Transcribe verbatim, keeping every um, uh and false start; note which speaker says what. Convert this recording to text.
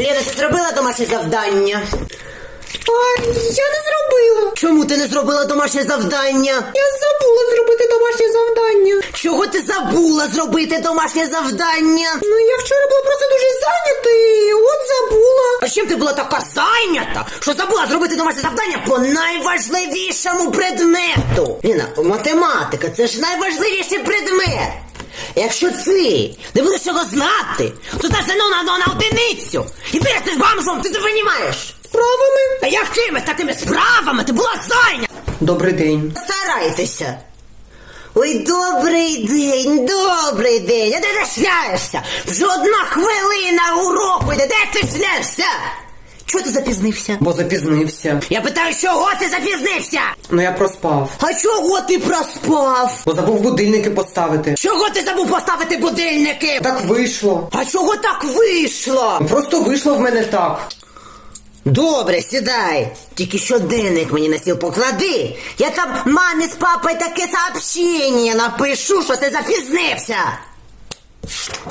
Speaker 1: Лена, ти зробила домашнє завдання?
Speaker 2: А, я не зробила.
Speaker 1: Чому ти не зробила домашнє завдання?
Speaker 2: Я забула зробити домашнє завдання.
Speaker 1: Чого ти забула зробити домашнє завдання?
Speaker 2: Ну, я вчора була просто дуже зайнята і от забула.
Speaker 1: А чим ти була така зайнята, що забула зробити домашнє завдання по найважливішому предмету? Ліна, математика – це ж найважливіший предмет. Якщо ти не будеш цього знати, то здаш ЗНО на, на, на одиницю. І перестеш бомжом, ти це розумієш?
Speaker 2: Справами?
Speaker 1: Та якими такими справами? Ти була зайнята.
Speaker 2: Добрий день.
Speaker 1: Старайтеся. Ой, добрий день, добрий день. А де ти шляєшся? Вже одна хвилина уроку йде. Де ти шляєшся? Чого ти запізнився?
Speaker 2: Бо запізнився.
Speaker 1: Я питаю, чого ти запізнився?
Speaker 2: Ну, я проспав.
Speaker 1: А чого ти проспав?
Speaker 2: Бо забув будильники поставити.
Speaker 1: Чого ти забув поставити будильники?
Speaker 2: Так вийшло.
Speaker 1: А чого так вийшло?
Speaker 2: Просто вийшло в мене так.
Speaker 1: Добре, сідай. Тільки щоденник мені на стіл поклади. Я там мамі з папою таке сообщення напишу, що ти запізнився.